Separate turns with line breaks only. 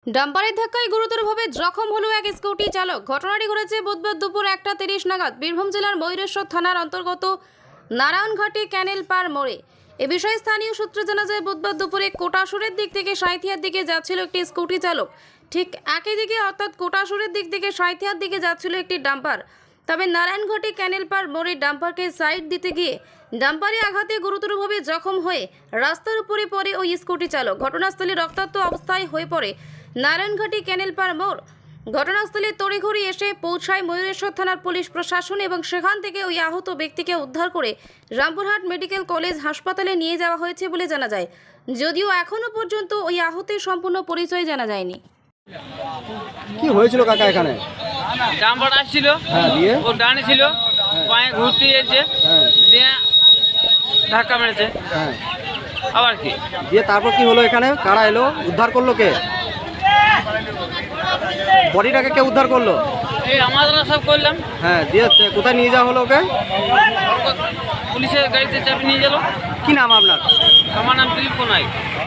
ডাম্পারের ধাক্কায় গুরুতরভাবে জখম হলো এক স্কুটি চালক। ঘটনাটি ঘটেছে বুধবার দুপুর 1:30 নাগাদ বীরভূম জেলার ময়ূরেশ্বর থানার অন্তর্গত নারায়ণঘাটি ক্যানেল পার মোড়ে। এ বিষয়ে স্থানীয় সূত্রে জানা যায়, বুধবার দুপুরে কোটাসুরের দিক থেকে সাঁইথিয়ার দিকে যাচ্ছিল একটি স্কুটি চালক। ঠিক একই দিকে অর্থাৎ কোটাসুরের দিক থেকে সাঁইথিয়ার দিকে যাচ্ছিল একটি ডাম্পার। তবে নারায়ণঘাটি ক্যানেল পার মোড়ে ডাম্পারকে সাইড দিতে গিয়ে ডাম্পারে আঘাতে গুরুতরভাবে জখম হয়ে রাস্তার উপরে পড়ে ওই স্কুটি চালক। ঘটনাস্থলে রক্তাক্ত অবস্থায় হয়ে পড়ে নারায়ণঘাটি ক্যানেল পার মোড়। ঘটনাস্থলে তড়িঘড়ি এসে পৌঁছায় ময়ূরেশ্বর থানার পুলিশ প্রশাসন এবং সেখান থেকে ওই আহত ব্যক্তিকে উদ্ধার করে রামপুরহাট মেডিকেল কলেজ হাসপাতালে নিয়ে যাওয়া হয়েছে বলে জানা যায়, যদিও এখনও পর্যন্ত ওই আহতের সম্পূর্ণ পরিচয় জানা যায়নি।
কি হয়েছিল কাকা এখানে?
ডাম্পার আসছিল,
হ্যাঁ, দিয়ে
ও ডানে ছিল, পায়ে ঘুরতে যেছে,
হ্যাঁ
দিয়ে ধাক্কা মেরেছে।
হ্যাঁ
আবার কি
দিয়ে তারপর কি হলো? এখানে কারা এলো? উদ্ধার করলো কে? বডিটাকে কে উদ্ধার করলো?
এই আমরা সব করলাম,
হ্যাঁ, দিয়ে কোথায় নিয়ে যাওয়া হলো ওকে?
পুলিশের গাড়িতে চাপে নিয়ে গেল।
কি নাম আপনার?
আমার নাম দিলীপ নাইক।